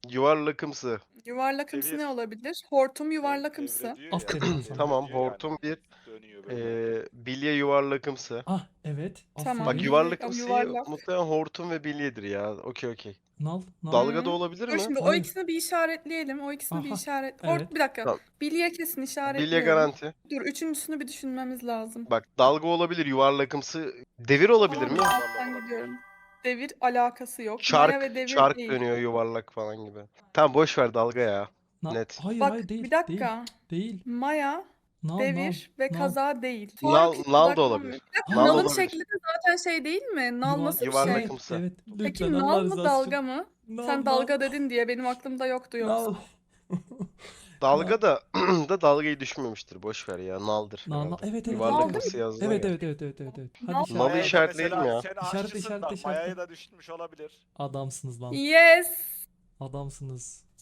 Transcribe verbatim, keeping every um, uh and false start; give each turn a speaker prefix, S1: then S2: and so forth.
S1: Yuvarlakımsı.
S2: Yuvarlakımsı
S3: Devir.
S2: ne olabilir? Hortum
S3: Dev-
S2: yuvarlakımsı.
S3: devre diyor ya,
S4: Aferin
S3: devre
S4: sana.
S1: Tamam,
S3: diyor yani.
S1: hortum bir.
S3: Dönüyor böyle.
S1: Ee, bilye yuvarlakımsı.
S4: Ah evet.
S2: Tamam.
S1: Bak
S4: Aferin.
S2: Bilye-
S1: yuvarlakımsıyı
S2: yuvarlak.
S1: muhtemelen hortum ve bilyedir ya. Okey okey.
S4: Nal. Nal.
S1: Dalga da
S2: Hı.
S1: olabilir
S2: Dur
S1: mi?
S2: şimdi o
S4: Hayır.
S2: ikisini bir işaretleyelim. O ikisini bir
S4: Aha,
S2: işaret.
S4: evet.
S2: Hort bir dakika.
S1: Tamam.
S2: Bilye kesin
S1: Bilye
S2: işaretliyorum.
S1: garanti.
S2: Dur üçüncüsünü bir düşünmemiz lazım.
S1: Bak dalga olabilir, yuvarlakımsı. Devir olabilir
S2: Tamam,
S1: mi?
S2: ben gidiyorum. Devir alakası yok. Maya ve
S1: Çark,
S2: devir
S1: çark
S2: değil.
S1: dönüyor yuvarlak falan gibi. Tamam boş ver dalga ya.
S4: Na-
S1: Net.
S4: Hayır
S2: Bak
S4: hayır değil.
S2: bir dakika.
S4: Değil. Değil.
S2: Maya,
S4: Nal
S2: devir
S4: nal.
S2: ve
S4: nal.
S2: kaza değil.
S1: Nal-
S2: Tork
S1: nal da
S2: odaklanmıyor.
S1: olabilir.
S2: Bir dakika,
S1: Nal
S2: nalın
S1: olabilir.
S2: şekli de zaten şey değil mi? Nal
S4: Yuvar-
S2: nasıl bir
S1: Yuvarlakımsı.
S2: şey?
S4: Evet.
S2: Peki
S4: Lütfen
S2: nal
S4: Allah
S2: mı
S4: rızası
S2: dalga
S4: için.
S2: mı?
S4: Nal,
S2: Sen
S4: nal.
S2: dalga dedin diye benim aklımda yoktu yoksa.
S4: Nal.
S1: Dalga da da dalgayı düşünmemiştir. Boş ver ya. Naldır.
S4: Nal, nal.
S1: herhalde.
S4: Evet evet.
S1: Yuvarlakımsı
S4: evet.
S1: yazdın
S4: Evet
S1: ya.
S4: evet evet evet evet. evet.
S2: Nal-
S4: Hadi
S1: Nalı
S4: işaret.
S1: işaretleyelim
S3: mesela
S1: ya.
S3: Sen
S4: İşaret,
S3: aşçısın
S4: işaret,
S3: da
S4: işaret.
S3: Maya'ya da düşünmüş olabilir.
S4: Adamsınız lan.
S2: Yes.
S4: Adamsınız.